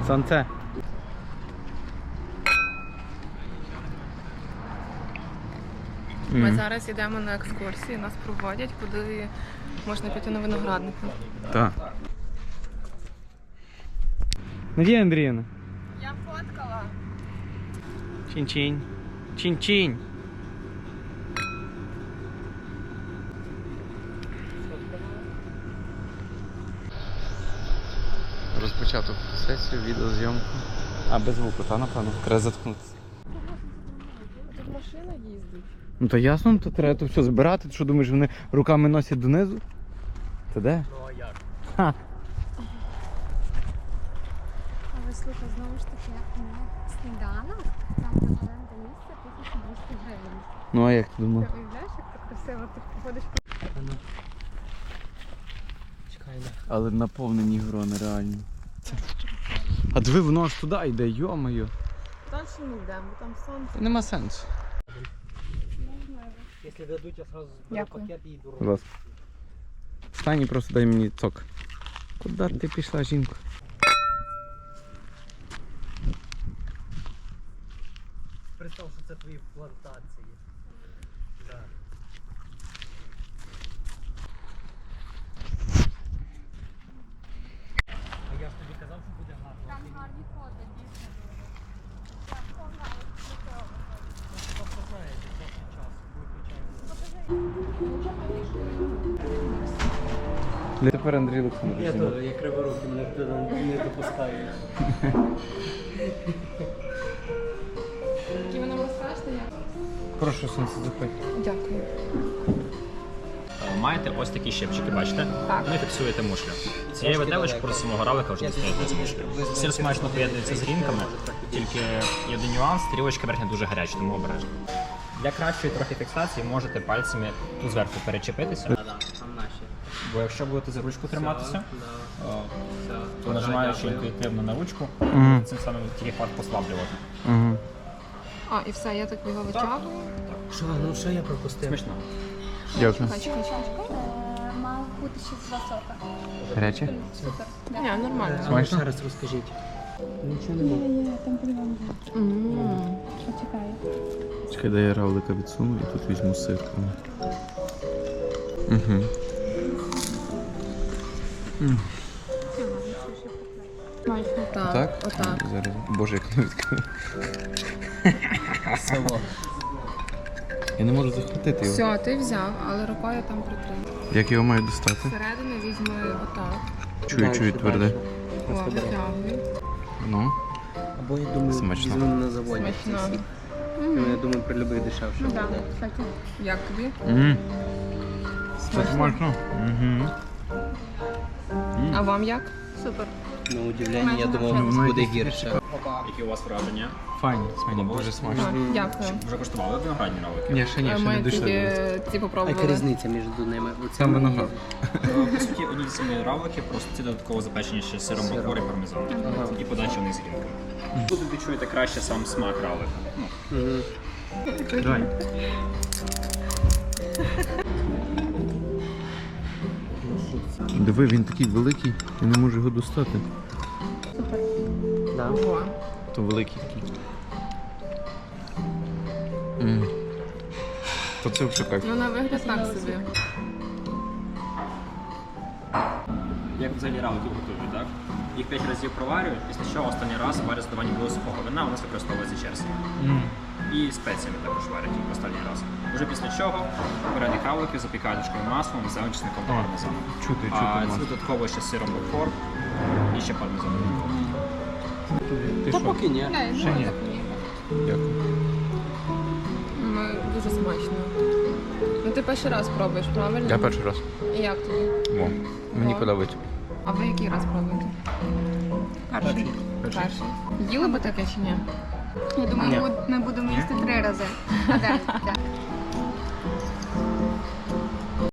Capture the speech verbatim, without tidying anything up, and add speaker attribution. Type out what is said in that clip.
Speaker 1: Сонце.
Speaker 2: Ми
Speaker 1: М.
Speaker 2: зараз йдемо на екскурсії, нас проводять, куди можна піти на виноградники.
Speaker 1: Так. Надія Андріївна.
Speaker 2: Я фоткала.
Speaker 1: Чинь-чинь. Чинь-чинь. Розпочату сесію, відеозйомку. А без звуку, та напевно? Треба заткнутися.
Speaker 2: Тут машина їздить.
Speaker 1: Ну то ясно, то треба то все збирати. Ти що думаєш, вони руками носять донизу? Це де?
Speaker 3: Ну а як?
Speaker 1: Ха.
Speaker 4: Але слухай, знову ж таки, на сніданок, там на оренда місця тисяча двісті гривень.
Speaker 1: Ну а як ти
Speaker 4: Ти
Speaker 1: думав?
Speaker 4: уявляєш, як так красиво ти походиш по...
Speaker 3: Чекай, не.
Speaker 1: Але наповнені грони реально. Це... А диви, воно аж туди йде, йо-моє.
Speaker 2: Далі не йдемо, бо там сонце.
Speaker 1: Нема сенсу.
Speaker 3: Якщо дадуть, я сразу зберу
Speaker 2: Дякую.
Speaker 3: пакет і йду.
Speaker 1: Будь ласка. Встань і просто дай мені цок. Куди ти пішла, жінко?
Speaker 3: Представ, що це твої плантації. Да. А я ж тобі казав, що буде гарно.
Speaker 4: Там гарні фото, дійсно дуже. Я ховаю до цього.
Speaker 3: Ну, ти просто знаєш, що це час виключається.
Speaker 1: Тепер Андрій Олександрович.
Speaker 3: Я теж, я криворукий, мене туди не допускаю.
Speaker 2: Які вона була страшна, як?
Speaker 1: Прошу, сонце, заходь.
Speaker 2: Дякую.
Speaker 5: Маєте ось такі щепчики, бачите?
Speaker 2: Так.
Speaker 5: Вони фіксуєте мушлю. Цією виделочкою просто самого равлика вже дістаєте з мушлю. Сир смачно поєднується з грінками, тільки є один нюанс, стрілочка верхня дуже гаряча, тому обережно. Для кращої трохи фіксації можете пальцями тут зверху перечепитися,
Speaker 3: Так, там наші.
Speaker 5: бо якщо будете за ручку триматися, то нажимаючи інтуїтивно на ручку,
Speaker 1: Мгм.
Speaker 5: цим самим тільки факт послаблювати.
Speaker 1: Угу.
Speaker 2: А, і все, я так його витягую.
Speaker 3: Що, ну що я пропустив?
Speaker 5: Смішно.
Speaker 1: Дякую.
Speaker 2: Чекай, чекай, чекай.
Speaker 4: Е, Мав бути ще два сока.
Speaker 1: Гаряче?
Speaker 4: Супер.
Speaker 2: Ні, нормально.
Speaker 3: А ну,
Speaker 1: Смачно?
Speaker 3: ще раз розкажіть. Нічого не було.
Speaker 4: Є, там по-любому.
Speaker 2: Ммм.
Speaker 4: Почекай.
Speaker 1: Чекай, дай я равлика відсуну і тут візьму сир. Угу.
Speaker 2: Так,
Speaker 1: Так?
Speaker 2: отак.
Speaker 1: Зараз. Боже, як не відкрив.
Speaker 3: Село.
Speaker 1: Я не можу захватити його.
Speaker 2: Все, ти взяв, але рукою там притримай.
Speaker 1: Як його маю достати?
Speaker 2: Всередину візьми отак.
Speaker 1: Чую,
Speaker 3: Дальше,
Speaker 1: чую тверде.
Speaker 3: дальше.
Speaker 2: О, витягуй.
Speaker 1: Ну.
Speaker 3: Або я думаю,
Speaker 1: Смачно.
Speaker 3: візьмемо на заводі.
Speaker 2: Смачно.
Speaker 3: Я думаю, при любих дешевше.
Speaker 4: Ну так,
Speaker 3: буде.
Speaker 4: кстати.
Speaker 2: Як тобі?
Speaker 1: Ммм. Це
Speaker 2: Смачно?
Speaker 1: смачно. Угу.
Speaker 2: А вам як?
Speaker 4: Супер.
Speaker 3: На удивлення, я
Speaker 4: Майже
Speaker 3: думав,
Speaker 1: навчилась.
Speaker 3: буде гірше.
Speaker 5: Які у вас враження?
Speaker 1: Файно, смачно, дуже
Speaker 2: А,
Speaker 1: смачно.
Speaker 2: Дякую.
Speaker 5: Вже коштували виноградні равлики?
Speaker 1: Ні, ще ні,
Speaker 2: А
Speaker 1: ще не
Speaker 2: Ми
Speaker 1: дійшли.
Speaker 2: тільки
Speaker 1: до
Speaker 2: ті
Speaker 3: А яка
Speaker 2: попробували.
Speaker 3: різниця між ними? Оце
Speaker 1: Там
Speaker 3: мені-
Speaker 1: виноград.
Speaker 5: По суті, одні ті самі равлики, просто ці додатково запечені ще сиром
Speaker 3: Сиром.
Speaker 5: бакор і пармезаном.
Speaker 3: Ага.
Speaker 5: І подача вниз грінками. Тут відчуєте краще сам смак равлика. Ну,
Speaker 3: Мгм.
Speaker 1: Давай. Диви, він такий великий, я не можу його достати.
Speaker 3: Да.
Speaker 2: Ого.
Speaker 1: То великий такий. М. То це взагалі кайф.
Speaker 2: Ну на вигляд так собі.
Speaker 5: як взагалі равлики готують, так? Їх п'ять разів проварюють, після чого останній раз варять з додаванням білого сухого вина, у нас використовується черстві.
Speaker 1: М.
Speaker 5: І спеціями також варять їх останній раз. Уже після чого варені равлики запікають дошковим маслом з зеленчасником та
Speaker 1: А,
Speaker 5: пармезаном.
Speaker 1: Чути,
Speaker 5: А
Speaker 1: чути
Speaker 5: це
Speaker 1: масло.
Speaker 5: додатково ще сиром бакор і ще пармезаном.
Speaker 1: Ти
Speaker 3: Та
Speaker 1: що?
Speaker 3: поки ні.
Speaker 1: Ще ні. Дякую.
Speaker 2: Ми дуже смачно. Ну ти перший раз пробуєш, правильно?
Speaker 1: Я перший раз.
Speaker 2: І як тобі?
Speaker 1: О, мені
Speaker 2: О.
Speaker 1: подобається.
Speaker 2: А ви який раз пробуєте? Перший.
Speaker 1: Перший.
Speaker 2: Перший. Їли би таке чи ні?
Speaker 4: Я думаю,
Speaker 1: Ні.
Speaker 4: ми- ми будемо їсти три рази. А де таке?